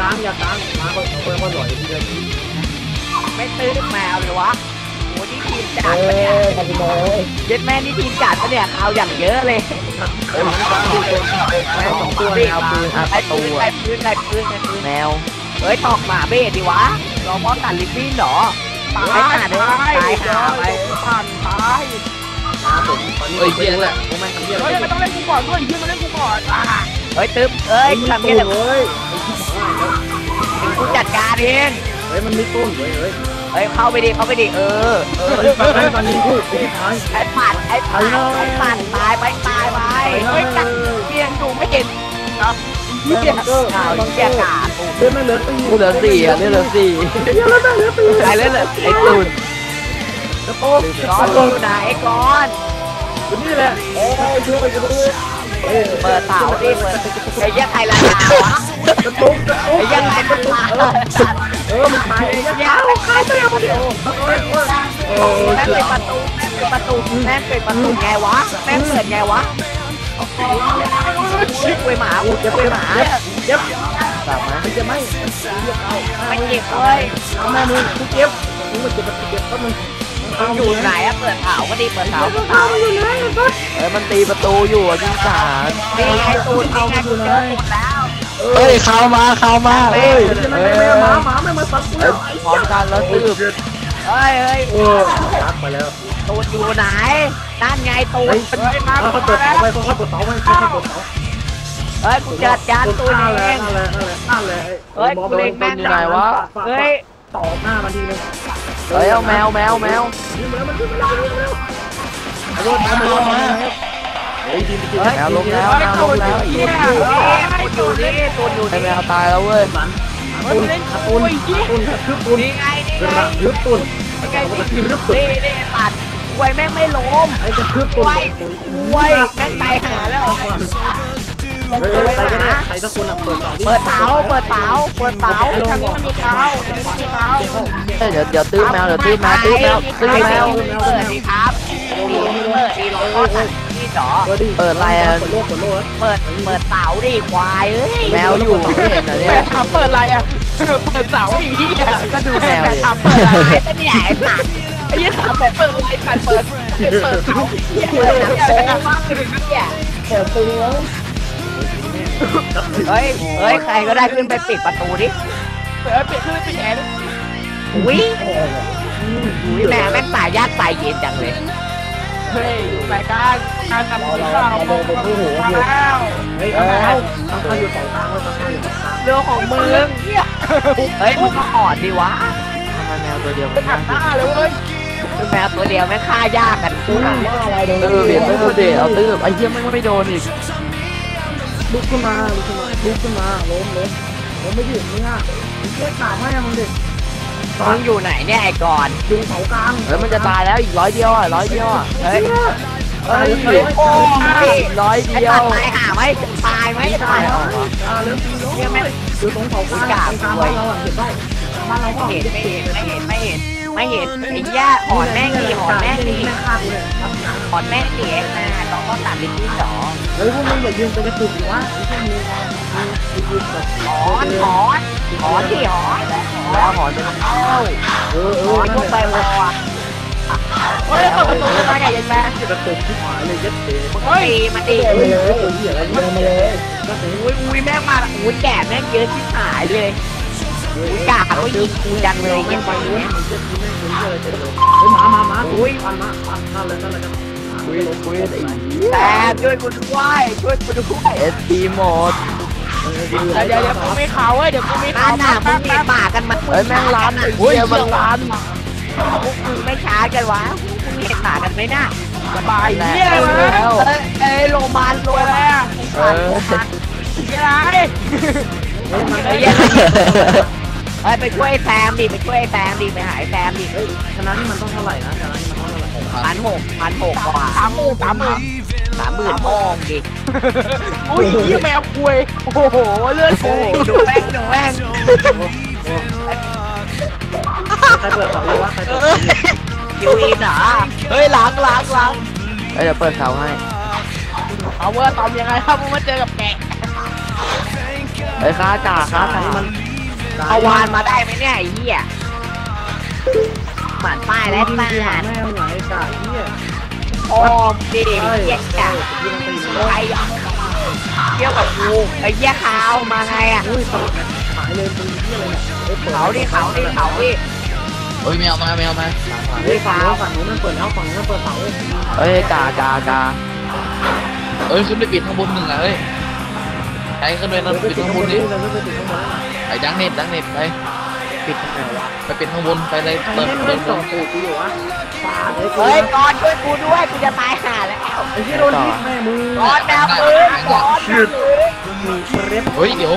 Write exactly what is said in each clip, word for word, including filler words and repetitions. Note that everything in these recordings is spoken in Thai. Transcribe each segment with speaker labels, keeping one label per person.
Speaker 1: กลางอย่ากลางมาค่อยค่อยค่อยหน่อยทีเดียว
Speaker 2: ไม่ตื้อแมวเลยวะโอ้นี่ทีมจัด
Speaker 3: เอ้
Speaker 2: ปะเนี่ย
Speaker 3: ยคาสิโน
Speaker 2: เย็ดแม่นี่ทีมจัดปะเนี่ยเอาอย่างเยอะเลย
Speaker 1: เอ้ยมันกลางดูคนแม่สองตัวแนวปืนอัด
Speaker 2: ไอ้
Speaker 1: ตั
Speaker 2: ปืน
Speaker 1: ว
Speaker 2: ไอ้ปืนไอ้ปืนไอ้ปืนแมวเฮ้ยตอกหมาเบ้ดิวะรอป้องกันลิฟฟี่เหรอตายหาเด้อตายหาไป
Speaker 4: ผ่านตาย
Speaker 1: มาผมตอนนี้
Speaker 5: เอ้ยเพียงแหละ
Speaker 1: ผมแม่งทำเพี้ย
Speaker 4: เฮ้ยไม่ต้องเล่นกูก่อนด้วยยืนมาเล่นกูก่อนอ่ะ
Speaker 2: เฮ้ยตึ๊บเอ้ย
Speaker 1: มี
Speaker 2: ทำ
Speaker 1: ตู
Speaker 2: เงี้ย
Speaker 1: น
Speaker 2: เดี๋ยว
Speaker 1: เว้ย
Speaker 2: กูจัดการเอง
Speaker 1: เฮ้ยมันมีต้นเว้ยเฮ้ย
Speaker 2: เฮ้ยเข้าไปดิเข้าไปดิเออเออ
Speaker 1: เฮ้ยตอนนี้ตอนนี้พูดไม่ตาย
Speaker 2: ไอ้ปัดไอ้ปัดไอ้ปัดตายไปตายไปเฮ้ยจัดเพียงดูไม่เห็นครับเฮียข่าวเฮียกาด
Speaker 1: เลือดไม่เหลือตี
Speaker 5: กูเหลือสี่อ่ะเหลือสี่
Speaker 1: เลือดไม่เหลือตี
Speaker 2: ไอ้เล่นเลยไอ้ตูน
Speaker 1: กระโปง
Speaker 2: ก้อนอยู่ไหนก้อน
Speaker 1: อยู่นี่แหละ
Speaker 3: เอ้ยช่วยกันด้วย
Speaker 2: เปิดเสาดิเปิดไอ้ยังไงล่ะวะ
Speaker 1: กระโปงกระโปง
Speaker 2: ไอ้ยังไงล่ะ
Speaker 1: เออมันตายเอง
Speaker 2: ยาวใครตัวเดียวเดียว
Speaker 1: เออ
Speaker 2: แม่งเป็นประตูแม่งเป็นประตูแม่งเป็นประตูไงวะแม่งเปิดไงวะคุยหมาคุยหมา
Speaker 1: เจ็บ
Speaker 5: ตามมา
Speaker 1: มันจะไม่
Speaker 2: ไม่เจ็บเลย
Speaker 1: เอาแม่มึงกูเจ็บมึงมาเจ็บเจ็บก็มึง
Speaker 2: อยู่ไหนอะเปิดเผาก็ดีเปิดเผาเปิดเผา
Speaker 5: เอ้ยมันตีประตูอยู่อ่ะยิงสาร
Speaker 2: นี่ไงตูนนี่ไงกูเจอตูนแล้ว
Speaker 5: เอ้ยเข้ามาเข้ามาเอ้ย
Speaker 1: ไม่
Speaker 5: เอ้
Speaker 1: ไม่
Speaker 5: ย
Speaker 1: ไม่หมาหมาไม่มาตัดกู
Speaker 5: เอ้ยพร้อมกันแล้วตืบ
Speaker 2: เฮ้ยเฮ้ย
Speaker 1: โอ้ตัดไปแล้ว
Speaker 2: ตูนอยู่ไหนนั่นไงตูน
Speaker 1: เฮ้ย
Speaker 2: เฮ้ยมา
Speaker 1: เขาเปิดเสาไปเขาเปิดเสาไปเขาเปิดเสา
Speaker 2: เฮ้ยกูจัดการตูนเอง
Speaker 1: นั่นแหละนั่นแหละนั่นแหละ
Speaker 2: เฮ้ยกูเล็งแม่งเฮ้ย
Speaker 1: ต่อหน้ามันทีนึง
Speaker 5: เอ้ยเอาแมวแมวแมว
Speaker 1: ยิงมาแล้วมันขึ้นมาแล้วยิงมาแล้ว
Speaker 5: รถมาลงมา
Speaker 1: เฮ้ยดีดีดี
Speaker 5: แมวลงแล้วแมวลงแล้วอีก
Speaker 2: ตูนอยู่นี่ตูนอยู่
Speaker 5: ไอ้
Speaker 2: นี่
Speaker 5: แมวตายแล้วเว้ย
Speaker 1: มันตุนตุนตุนกระทืบตุน
Speaker 2: นี่ไงนี่
Speaker 1: ก
Speaker 2: ไง
Speaker 1: ระทืบตุน
Speaker 2: นี่ไงนี่นี่ปัดควยแม่งไม่ล้ม
Speaker 1: ไอ้กระทืบตุน
Speaker 2: ควยควยแม่งตายหาแล้ว
Speaker 1: เฮ้ยใครก็ได้ใครสักคนอ่ะเปิดเสา
Speaker 2: เปิดเสาเปิดเสาเปิดเสาทางนี้มันมีเสาทางนี้มันมีเสา
Speaker 5: เฮ้ยเดี๋ยวเดี๋ยวตื้อแมวเดี๋ยวตื้อแมวตื้อแมวตื้อแมว
Speaker 2: เปิดดีครับดีเปิดดีโลนี่จ๋อ
Speaker 5: เปิดอะไรอ่ะ
Speaker 1: เปิดโลกเปิดโลก
Speaker 2: เปิดเปิดเสาดิควายเอ้ย
Speaker 5: แมวอยู่ไม่เห็นเหรอ
Speaker 4: แม่
Speaker 5: เนี่ย
Speaker 4: ถามเปิดอะไรอ่ะเปิดเสาอีกที่อ่ะ
Speaker 5: ก็ดูแมวดิ
Speaker 2: ถามเปิดอะไรเป็นที่ไหนสัตว์
Speaker 4: ไอ้ยี่ถามแบบเปิดอะไรกันเปิดเปิดเสาเหี้ย
Speaker 2: เปิดหนังโป๊มากเลยเนี่ย
Speaker 3: เปิดตึงแล้ว
Speaker 2: เฮ้ยเฮ้ยใครก็ได้ขึ้นไปปิดประตูดิ
Speaker 4: เปิดปิดขึ้นปิดแอร์
Speaker 2: อุ้ยอุ้ยแม่แม่งสายญาติสายเย็นจังเลย
Speaker 4: เฮ้ยรายการการทำข่าวมาแล้ว
Speaker 1: เฮ้ยเอาแล้วตั้งค่าอยู่สองทางไว้ตั้งค่าอยู่สองทาง
Speaker 2: เรื่องของมึงเฮ้ยมึงก็อ่อนดิวะ
Speaker 5: ทำไมแมวตัวเดียว
Speaker 4: เป็นหันหน้าเลยเว้ย
Speaker 2: คือแมวตัวเดียวแม่งฆ่ายากกันกู
Speaker 3: ว่าอะไรโดน
Speaker 5: เออเบียดไม่โดนเดเอาตื้อไอ้เหี้ยไม่ไม่โดนอีก
Speaker 1: ลุกขึ้นมาลุกขึ้นมาลุกขึ้นมาล้มล้มล้มไม่หยุดมึงอ่ะช่วยขาแม่มึงดิ
Speaker 2: มึงอยู่ไหนเนี่ยไอ้ก่อน
Speaker 1: ยุงเสากลาง
Speaker 5: เฮ้ยมันจะตายแล้วอีกร้อยเดียวอ่ะร้อยเดียวอ่ะ
Speaker 2: เฮ้ย
Speaker 5: เฮ้ย
Speaker 2: โอ้ย
Speaker 5: ร้อย
Speaker 2: ไอ้
Speaker 5: เดีย
Speaker 2: ตั
Speaker 5: ว
Speaker 2: ดตายหาไหมตายไหมตาย
Speaker 1: อ่าเริ่มตีล้มอยู่ตรงเสากลางตรงกลางบ้านเราอ่ะเห็นป่ะบ้านเราก็
Speaker 2: ไม่
Speaker 1: เห็
Speaker 2: เห็
Speaker 1: น
Speaker 2: นไม่เห็นไม่เห็นไม่เห็นไม่เห็นไอ้ย่าหอนแม่งดีหอนแม่งดี
Speaker 1: แม่ฆ่ากูเลย
Speaker 2: หอนแม่งดีไอ้แม่ต้องต้องตัดลิ้นที่สอง
Speaker 1: เฮ้ยพวกมึงอย่ายืนเป็นกระตุกดิวะไม่ใช่มือยืนแบบ
Speaker 2: หอนหอนหอนที่หอน
Speaker 5: แล้วหอนจะเข้า
Speaker 1: เออเอ
Speaker 2: ห
Speaker 1: อ
Speaker 2: อน
Speaker 1: นั่น
Speaker 2: พวก
Speaker 1: แห
Speaker 2: ไป
Speaker 1: ละ
Speaker 2: วัว
Speaker 4: เฮ้ยเปิดประตูมาไงยันแม่
Speaker 1: กระตุกที่หายเลยยัดเตะ
Speaker 2: เฮ้ยมาดิ
Speaker 3: ไปเลย
Speaker 1: เออเหี้ยอะไร
Speaker 3: เดินมาเลย
Speaker 1: ก็เตะ
Speaker 2: อุ้ยอุ้ยแม่งมาอุ้ยแก่แม่งเยอะที่หายเลยอุ้ยกาเขายิงกูจังเลย
Speaker 1: แม่
Speaker 2: ยัง ง
Speaker 1: ไป
Speaker 2: ไป
Speaker 1: ด้ว
Speaker 2: เนี่ย ย
Speaker 1: มันจะกินแม่งคนเหี้ยอะไรเตะเลยเฮ้ยหมามาหมาอุ้ยปันมาปันนั่นเลยนั่นเลยกันคุยลงคุย
Speaker 5: ไอ้
Speaker 2: แต่ช่วยกูด้วยช่วยกูด้วย
Speaker 5: เอสพีหมด
Speaker 4: เดี๋ยวเดี๋ยวเดี๋ยวกูไม่ข่าวเว้ยเดี๋ยวกูไม่
Speaker 2: นั่
Speaker 4: ข่าวน
Speaker 2: น่ะมึงมีปากกันมัน
Speaker 5: เฮ้ยแม่งล้านไอ้เหี้ยมันล้าน
Speaker 2: พวกมึงไม่ช้ากันวะมึงเห็นหมากันไหมน่ะ
Speaker 4: สบายเฮียอะไรวะ
Speaker 5: แล้ว
Speaker 2: เอ้ยเอ้ยโรงพยาบาลโรงพยาบาล
Speaker 5: เออ
Speaker 4: เฮียอะไร
Speaker 2: เฮ้ยเฮ้ยไปช่วยแซมดิไปช่วยแซมดิไปหายแซมดิ
Speaker 1: เฮ้ยชนะนี่มันต้องเท่าไหร่นะชนะนี่มันต้องเท่าไหร่
Speaker 2: พันหกพันหกกว่า
Speaker 4: สามหมื่นสามหมื่น
Speaker 2: สามหมื่นโมงดิ
Speaker 4: อุ้ยเฮียแมวคุยโอ้โหเลือดโผล่
Speaker 2: ดูแม่งดูแม่ง
Speaker 1: ใครเปิดเสาเลยวะใครเปิด
Speaker 2: คิวอินเหรอเฮ้ยล้างล้างล้าง
Speaker 5: เฮ้ยเดี๋ยวเปิดเสาให้
Speaker 4: เอาเวอร์ตอมยังไงครับมึงมาเจอกับแกะ
Speaker 5: เฮ้ยค้าจ่าค้าจ่า
Speaker 1: นี่มัน
Speaker 2: เอาวานมาได้ไหมเนี่ยไอ้เหี้ยหมันป้ายแล้ว
Speaker 1: ที่
Speaker 2: ป้า
Speaker 1: หาย แม่ไหนกาเหี้ย
Speaker 2: โอ้มดิเหี้ยจ้ะ
Speaker 1: ที่มันตี
Speaker 2: ไอ้เที่ยวกับกูไอ้เหี้ยขาวมาไงอ่ะ
Speaker 1: อุ้ยหายเลยตีเหี้ยอะไรเนี่ย
Speaker 2: เขาดิเขาดิเขาดิ
Speaker 5: เฮ้ยแมวมาแมวมา
Speaker 1: เฮ้ยฝั่งนู้นฝั่งนู้นมันเปิดแล้วฝั่งนู้นมันเปิดเสาเลย
Speaker 5: เฮ้ยกากากา
Speaker 6: เอ้ยขึ้นไปปิดข้างบนหนึ่งอ่ะเอ้ยไปขึ้นไปนั่น
Speaker 1: ไป
Speaker 6: ปิด
Speaker 1: ติด
Speaker 6: ข้าง
Speaker 1: ข้าง
Speaker 6: บบ น
Speaker 1: น
Speaker 6: ดิ
Speaker 1: นี่เราไม่ไปติดข้างบน
Speaker 6: ไปดังเน็ตดังเน็ตไป
Speaker 1: ปิดทำไมวะ
Speaker 6: ไปปิดข้างบนไปเลย
Speaker 1: ไอ้
Speaker 6: เปิด
Speaker 1: เนี่ย
Speaker 6: เปิ
Speaker 1: ไม่
Speaker 6: ด
Speaker 1: ต่อตูดกูอยู่วะฟาดเลยกู
Speaker 2: เฮ้ยก่อนช่วยกูด้วยกูจะตายห่าแล้ว
Speaker 1: ไอ้ที่โดนทิศแม่มือ
Speaker 2: ก่อนแนวปืนก่อนแนวปืน
Speaker 1: มีเร็บ
Speaker 6: เฮ้ยเดี๋ยว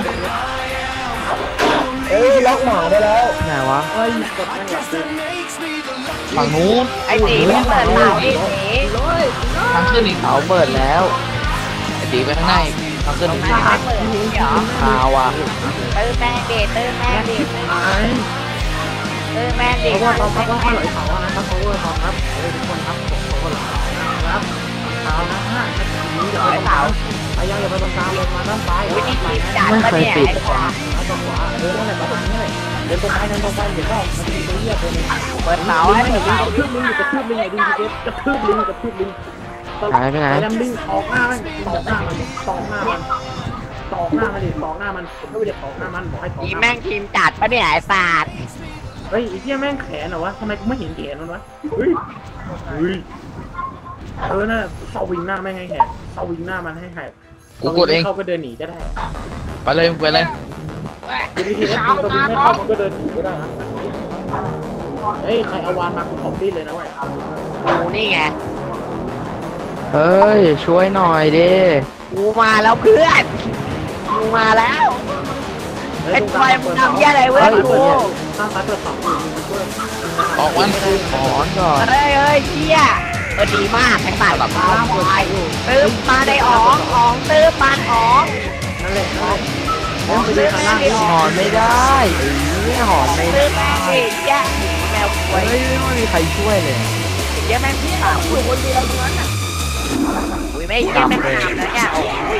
Speaker 3: เอ้ยล็อกหมาได้แล้ว
Speaker 5: ไหนวะ
Speaker 1: เฮ้ยกดแม่งหลับเลย
Speaker 6: ฝั่งนู้น
Speaker 2: ไอ้ตีไม่เปิดเสาดิตี
Speaker 6: ทางขึ้นอีก
Speaker 5: เสาเปิดแล้ว
Speaker 6: ไอ้ตีไปข้างในทางขึ้นอีก
Speaker 2: ไม่เปิดเหรอ
Speaker 5: ข่าวอ่ะ
Speaker 2: ตื้อแม่งดิตื้อแม่งดิ
Speaker 1: ไอ้
Speaker 2: ตื้อแม่งดิ
Speaker 1: เพราะว่าตอนพักต้องค่อยไหลเสาอะนะครับเพราะว่าตอนครับเฮ้ยทุกคนครับผมขอไหลนะครับเสานะฮะนี้อย่า
Speaker 2: ร้
Speaker 1: ไป
Speaker 2: อย
Speaker 1: เสา
Speaker 2: เสา
Speaker 1: พยายามอย่าไปตรงกลางลงมาด้านซ้าย
Speaker 2: อุ้ยนี่
Speaker 1: ไป
Speaker 2: ทีม
Speaker 1: นะ
Speaker 2: จัดปะเนี่ยไอ้ขวา
Speaker 1: ซ้ายตรงขวาเออนั่นแหละมาตรงนี้เลยเดินตรงไปเดินตรงไปเดี๋ยวก็มันจะมีตัวเหี้ยตัวนึง
Speaker 2: เปิดเสา
Speaker 1: ลิ
Speaker 2: ให้
Speaker 1: ง
Speaker 2: เปิด
Speaker 1: ลิง
Speaker 2: เสาก
Speaker 1: ระทืบลิงกระทืบลิงไอ้ดิงกระทืบลิงกระทืบลิง
Speaker 5: หายไปไหน
Speaker 1: ไอ้ดำลิงตอกหน้ามันตอกหน้ามันตอกหน้ามันตอกหน้ามันดิตอกหน้ามันผมไม่ได้ตอกหน้ามันบอกให้ตอก
Speaker 2: ทีม
Speaker 1: หน้า
Speaker 2: แม่งทีมจัดปะเนี่ยไอ้ศาสตร์
Speaker 1: เฮ้ยไอ้เหี้ยแม่งแขนเหรอวะทำไมกูไม่เห็นแขนมันวะเฮ้ยเฮ้ยเออน่ะสวิงหน้าแม่งให้แหกสวิงหน้ามันให้แหก
Speaker 6: กูกดเอง
Speaker 1: เขาก็เดินหนีก็ได้
Speaker 6: ไปเลยไปเลย
Speaker 1: ทีนี้ทีนี้สวิงไม่เข้ามันก็เดินหนีก็ได้นะเฮ้ยใครเอาวานมากูขอบดิ้นเลยนะเว้ย
Speaker 2: กูนี่ไง
Speaker 5: เฮ้ยช่วยหน่อยดิ
Speaker 2: กูมาแล้วเพื่อนกูมาแล้วไอ้ควายมึงทำแย่อะไรเว้ยกู
Speaker 1: ข้างซ้ายเปิดสองอยู่ช่วย
Speaker 6: ออกวัน
Speaker 5: ถอนก่อน
Speaker 2: เฮ้ยเฮ้ยเชี่ยเออดีมากไอ้สัตว์แบบว่าควายตื้อมาได้อ๋องอ๋องตื้อปานอ๋อง
Speaker 1: นั่นแหละนั่นแหละมองไปดู
Speaker 2: ตื้อ
Speaker 1: ข้าง
Speaker 2: แม่
Speaker 1: ล่าง
Speaker 2: งดิ
Speaker 5: หอนไม่ได้เอ้ยหอนไม่
Speaker 2: ตื้
Speaker 5: ได้
Speaker 2: อแม่งดิแย่แมวควย
Speaker 5: เฮ้ยไม่มีใครช่วยเลย
Speaker 2: แย่แม่งพี่สาวอยู่คนเดียวตรงนั้นน่ะอุ้ยไม่แย่แม่งหนามแล้วเนี่ยโอ้ย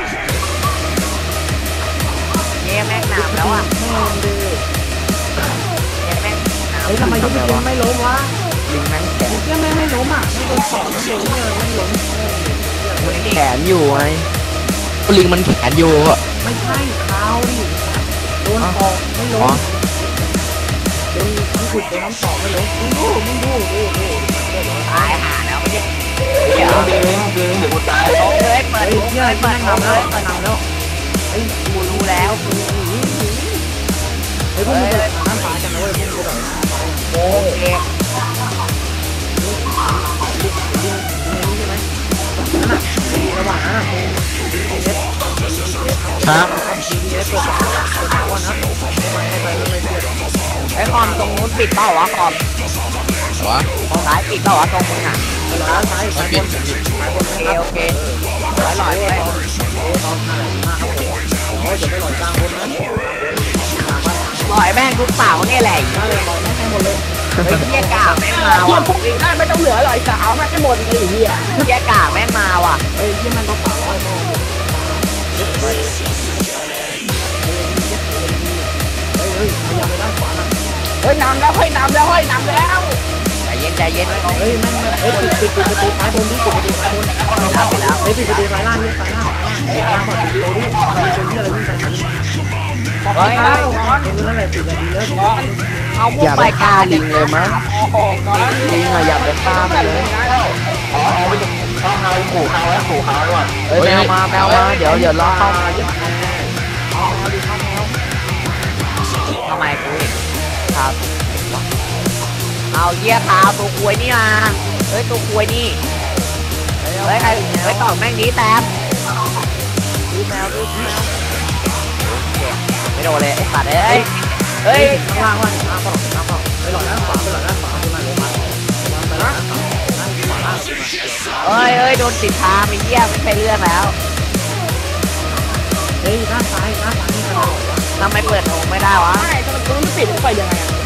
Speaker 2: แย่แม่งหนามแล้วอ่ะแย่แม่งหนาม
Speaker 1: เฮ้ยทำไมยุบยิงไม่ล้มวะ
Speaker 5: ลิงแม่งแขน
Speaker 1: ยังไม่ไม่ล้มอ่ะไม่โดนสองไม่ล้มเลยไม่ล้ม
Speaker 5: แขนอยู่ไง
Speaker 6: ลิงมันแขนอยู่อะ
Speaker 1: ไม่ใช่เท้าดิโดนออกไม่ล้
Speaker 6: อ๋อ
Speaker 1: มโดนน้ำขุดโดนน้ำสอบไม่ล้มมึงดูมึงดูโอ้โห
Speaker 2: ตายห่าแล้วไม่ใช่เดี๋ยว
Speaker 6: เดี๋ยวเดี๋ยวเดี๋ยวกูตาย
Speaker 2: โอ้ยเปิด
Speaker 1: เฮ้ย
Speaker 2: มุก
Speaker 1: เฮีย
Speaker 2: เลย
Speaker 1: เปิ
Speaker 2: เปิ
Speaker 1: ด
Speaker 2: ด
Speaker 1: นำ
Speaker 2: มุกเล
Speaker 1: แล้ว
Speaker 2: ย
Speaker 1: เปิดนำแล้ว
Speaker 2: เฮ้ยกูรู้แล้วกู
Speaker 1: เฮ้ยพวกมึงเปิดน้ำฟ้ากันนะเว้ยพวกมึงแบบ
Speaker 2: โอเค
Speaker 1: ระหว่างนั้น
Speaker 6: ครับ
Speaker 2: ไอ้คอมตรงนู้นปิดเปล่าวะคอม
Speaker 6: วะ
Speaker 2: ซ้ายปิดเปล่าวะตรงมึงอ่ะ
Speaker 1: ร้านซ้าย
Speaker 6: ไม่
Speaker 1: ซ้ายบ
Speaker 6: ปิด
Speaker 1: น
Speaker 2: โอเคโอเคร้อยหลอยไป
Speaker 1: ตอนหน้าหน้าครับผมโอ้ยจะไม่หล่อยกลางบนนะ
Speaker 2: หลอยแม่งทุกเสาเนี่ยแหละ
Speaker 1: หน้าเลยหล่อยไม่ให้หมดเลย
Speaker 2: เฮ้ยเหี้ยกาแม่งมาว่ะ
Speaker 4: พวกนี้ได้ไม่ต้องเหลือหรอกไอ้สาวแม่งให้หมดเลยไอ้เหี้ย
Speaker 2: เหี้ยกาแม่งมาว่ะ
Speaker 1: เฮ้ยยี่มันก็ฝ่าร้อยโมงเฮ้ยเฮ้ยพยายามไปด้านขวาหน่อย
Speaker 4: เฮ้ยนำแล้วเฮ้ยนำแล้วเฮ้ยนำแล้ว
Speaker 2: ใจเย็นใจเย็นไว้ก่อน
Speaker 1: เฮ้ยแม่งเฮ้ยปิดปิดปิดประตูซ้ายบนดิปิดประตูซ้ายบน
Speaker 2: ไปแล้ว
Speaker 1: เฮ้ยปิดประตูซ้ายล่างนี่ซ้ายล่างซ้ายล่างก่อนปิดประตูดิมีคนที่อะไรวิ่งไปทางนี้
Speaker 2: เฮ้ย
Speaker 1: เฮ้ยนั่นแหละปิดนาทีแล้ว
Speaker 2: เอาพว
Speaker 5: อก ย่า
Speaker 2: ไป
Speaker 5: ไป
Speaker 2: กา
Speaker 5: ฆ่า
Speaker 2: ลิ
Speaker 5: ลิ
Speaker 2: ง
Speaker 5: งเลยมั้ง
Speaker 4: โอ้โหก่อน
Speaker 5: ลิงอะอย่าไปฆ่ามันเลย เอ้ยแมวมาแมวมาเดี๋ยวเดี๋ยวรอเข้า
Speaker 2: ทำไมกูอีกครับเอาเหี้ยขาวตัวควยนี่มาเฮ้ยตัวควยนี่เฮ้ยใครเฮ้ยต่อแม่งนี้แต้มดูแมวดูแมวไม่โดนเลยไอ้สัตว์เอ้ยเฮ้ย
Speaker 1: ข้างล่างว่าข้างล่างข้างล่างไปหลอดด้านขวาไปหลอดด้านขวาขึ้นมาเลยมาไปด้านขวาด้านขวาล่าง
Speaker 2: เอ้ยเอ้ยโดนติดทางไอ้เหี้ยไม่ใช่เรื่องแล้ว
Speaker 1: เฮ้ยด้านซ้ายด้านซ้ายนี่กันหรอวะ
Speaker 2: ทำไมเปิดโอ่งไม่ได้วะ
Speaker 4: ไม่ทำไมกูไม่ปิดไปยังไงอ่ะ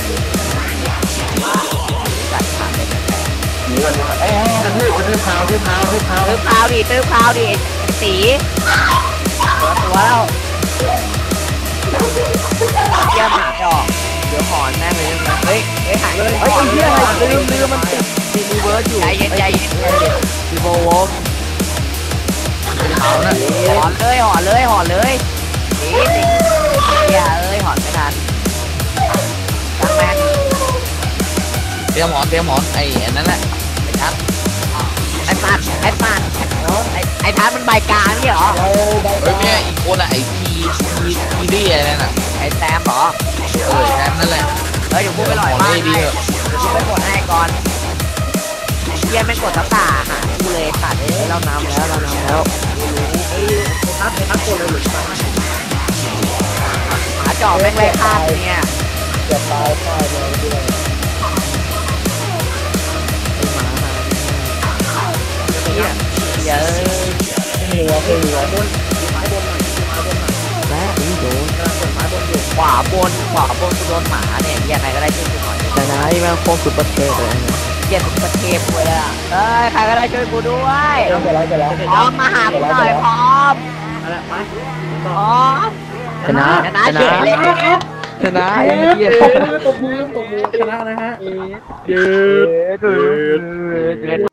Speaker 2: จัดฉากเลย
Speaker 3: เอ้ยทืบทืบเท้าทืบเท้าทืบเท้า
Speaker 2: ตื้อพาวดิตื้อพาวดิไอ้ตีเปิดตัวแล้วเยี่ยมหาจอกเดี๋ยวหอนแม่งเลยนะเฮ้ยเฮ้ยหายเลย
Speaker 5: เฮ้ยไอ้เหี้ยอะไรลืมลืมมันติดติดรีเวิร์สอยู่
Speaker 2: ใจเย็นใจเย็นใจเย็น
Speaker 5: รีโบวอล์ก
Speaker 6: เขาน่ะ
Speaker 2: หอนเลยหอนเลยหอนเลยตีตีเหี้ยเอ้ยหอนไม่ทันจังแม่ง
Speaker 6: เตรียมหมอนเตรียมหมอนไอ้อันนั้นแหละ
Speaker 2: ไอ้ทัดไอ้ปัดไอ้ปัดไอ้ไอ้ทัดมันใบกลางนี่เหรอ
Speaker 6: เฮ้ยแม่อีกคนอะไอ้ทีทีทีดีอะไรนั่นน่ะ
Speaker 2: ไอ้แซมเหรอ
Speaker 6: เออแทนนั่นแหละ
Speaker 2: เฮ้ยเดี๋ยวกูไปหล่อย
Speaker 6: หมอน
Speaker 2: บ้าน
Speaker 6: ได้ดี
Speaker 2: ให้
Speaker 6: เถอะ
Speaker 2: เดี๋ยวกูไปกดให้ก่อนเฮียไม่กดตะตาหากูเลยตัดเอ้ย
Speaker 5: เรานำแล้วเรานำแล้ว
Speaker 1: เฮ้ยทัดทัดคนเลยหรือเปล่า
Speaker 2: หมาจอบแม่งเลยฆ่ากูเนี่ย
Speaker 3: จะตายตายเลยด้วย
Speaker 2: เฮียเฮียเอ้ย
Speaker 3: เหลือเหลือ
Speaker 1: บนซ้ายบนหน่อยซ้ายบนหน่อย
Speaker 5: และอุ้ยโดน
Speaker 1: กำลังกดซ้ายบนอยู่
Speaker 2: ขวาบนขวาบนกูโดนหมาเนี่ยเฮียใครก็ได้ช่วยกูหน่อย
Speaker 5: แต่นะไอ้แม่งโคตรสุดประเทศเลยนะ
Speaker 2: เฮียทุกประเทศกูเลยอ่ะเอ้ยใครก็ได้ช่วยกูด้วย
Speaker 3: เดี๋ยวแล้วเดี๋ยวแล้ว
Speaker 2: พร้อมมาหากูหน่อยพร้อม
Speaker 1: อะไรไป
Speaker 2: พร้อม
Speaker 5: ชนะ
Speaker 2: ชนะ
Speaker 5: ช
Speaker 2: เฉ
Speaker 5: นะ
Speaker 2: ยเลย
Speaker 5: ชนะไอ้เหี้ย
Speaker 1: ตบมือตบมือชนะนะฮะ
Speaker 5: เย้เกิน